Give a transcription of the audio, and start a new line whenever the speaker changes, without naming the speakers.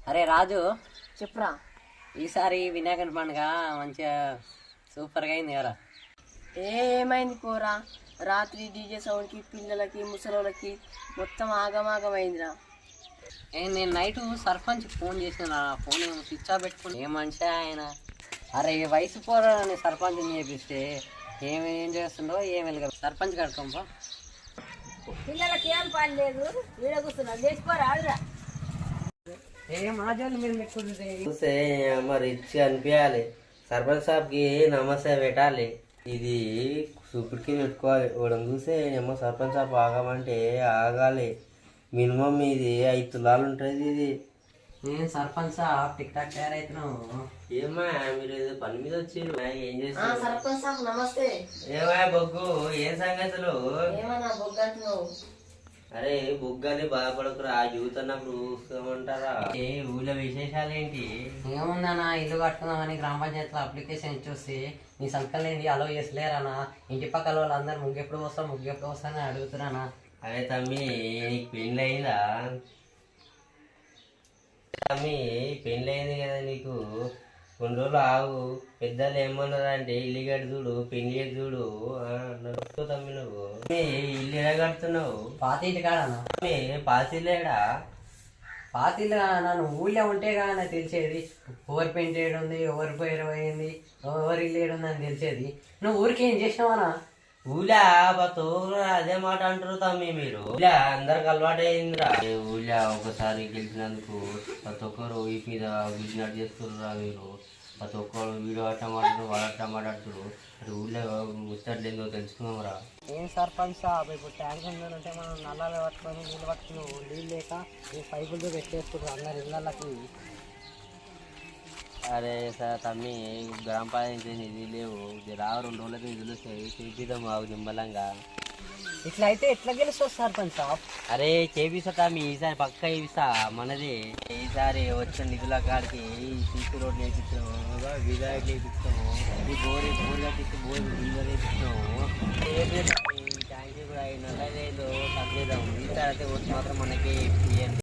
అరే రాజు,
చెప్పురా.
ఈసారి వినాయకుని పండుగ మంచిగా సూపర్గా అయింది కదా.
ఏమైంది పోరా, రాత్రి డీజే సౌండ్కి పిల్లలకి ముసలోళ్ళకి మొత్తం ఆగమాగమైందిరా.
నేను నైట్ సర్పంచ్ ఫోన్ చేసిన, ఫోన్ ఏమో స్విచ్ ఆఫ్ పెట్టుకుని ఏ మనిషి ఆయన. అరే వయసు పోరాని సర్పంచ్ని చేపిస్తే ఏం చేస్తుండో ఏం వెలుగు సర్పంచ్ కడుకోంపా.
పిల్లలకి ఏం పని లేదు, వీడ కూర్చున్నా లేచిపోరా ఆడురా.
ఏం ఆజాలు మీరు పెట్టుకుంటే
చూస్తే మరి రిచ్ అనిపించాలి. సర్పంచ్ సాబ్కి నమస్తే పెట్టాలి. ఇది సూపుడికి పెట్టుకోవాలి. వాడని చూస్తే ఏమో సర్పంచ్ సాబ్ ఆగమంటే ఆగాలి. మినిమం ఇది 5 తులాలు ఉంటుంది. ఇది
నేను సర్పంచ్ టిక్ టాక్ తయారైతున్నావు.
ఏమా మీరు ఏదో పని మీద వచ్చిండ్రు, ఏం చేస్తారు?
సర్పంచ్ సాబ్ నమస్తే.
ఏమా బొగ్గు, ఏం సంగతులు?
ఏమన్నా బొగ్గంటున్నావు?
అరే బొగ్గని బాధపడకురా, చూస్తున్నప్పుడు చూస్తామంటారా? ఏ ఊళ్ళో విశేషాలు ఏంటి?
ఏముందన్నా, ఇల్లు కట్టుకుందామని గ్రామ పంచాయతీలో అప్లికేషన్ ఇచ్చి నీ సంకలేంది అలో చేసలేరన్నా. ఇంటి పక్కల వాళ్ళందరూ ముగ్గెప్పుడు వస్తా అని అడుగుతున్నానా.
అరే తమ్మి, నీకు పెళ్ళి అయిందా? తమ్మి పెళ్ళి అయింది కదా నీకు, కొన్ని రోజులు ఆగు. పెద్దలు ఏమన్నారు అంటే ఇల్లు కట్టి చూడు, పెళ్లి చేసి చూడు అన్నారు. తమ్మి నువ్వు ఇల్లు ఎలా కడుతున్నావు?
పాత ఇంటి కాడనా?
పాతిల్లేడా?
పాతిల్లు నన్ను ఊళ్ళో ఉంటే కానీ నాకు తెలిసేది ఎవరి పెయింట్ ఏడు ఉంది, ఎవరి పేరు పోయింది, ఎవరి ఇల్లు ఏడు ఉంది అని తెలిసేది. నువ్వు ఊరికి ఏం చేసినావనా?
ఊళ్ళా తోరు అదే మాట అంటారు తమ్మి మీరు. ఊళ్ళా అందరికి అలవాటు అయిందిరా. ఊళ్ళా ఒకసారి గెలిచినందుకు ప్రతి ఒక్కరు ఈ మీద బిజినెస్ చేస్తుర్రా మీరు. ప్రతి ఒక్కరు వీడియో అట్ట మాట్లాడు, వాళ్ళు అట్ట మాట్లాడుతున్నారు. అటు ఊళ్ళో ముచ్చట్లేదో తెలుసుకున్నాంరా.
ఏం సర్పంచ్ సాబ్, ఇప్పుడు ట్యాంక్ ఉంటే మనం నల్లాలు పట్టుకొని నీళ్ళు పట్టుకుని నీళ్ళు లేక ఈ పైపులతో పెట్టేసుకుంటారు అందరు ఇళ్ళకి.
అరే సార్ తమ్మి, గ్రామ పంచాయతీ నిధి లేవు, రా 2 రోజులకి నిధులు వస్తాయి, చేపిద్దాం మాకు నిమ్మలంగా.
ఇట్లా అయితే ఎట్లా గెలుస్తుంది సర్పంచ్ సాబ్?
అరే చేపిస్తా తమ్మి, ఈసారి పక్క ఇస్తా మనది. ఈసారి వచ్చిన నిధుల కాడికి సీసీ రోడ్లు వేపిస్తాము, విధాయకులు వేపిస్తాము, ఈ బోర్ కట్టిస్తే బోర్ నీళ్ళు వేపిస్తాము. ట్యాంకీ కూడా 5 నెలలు తగ్గేదాము. ఈసారి అయితే వచ్చి మాత్రం మనకి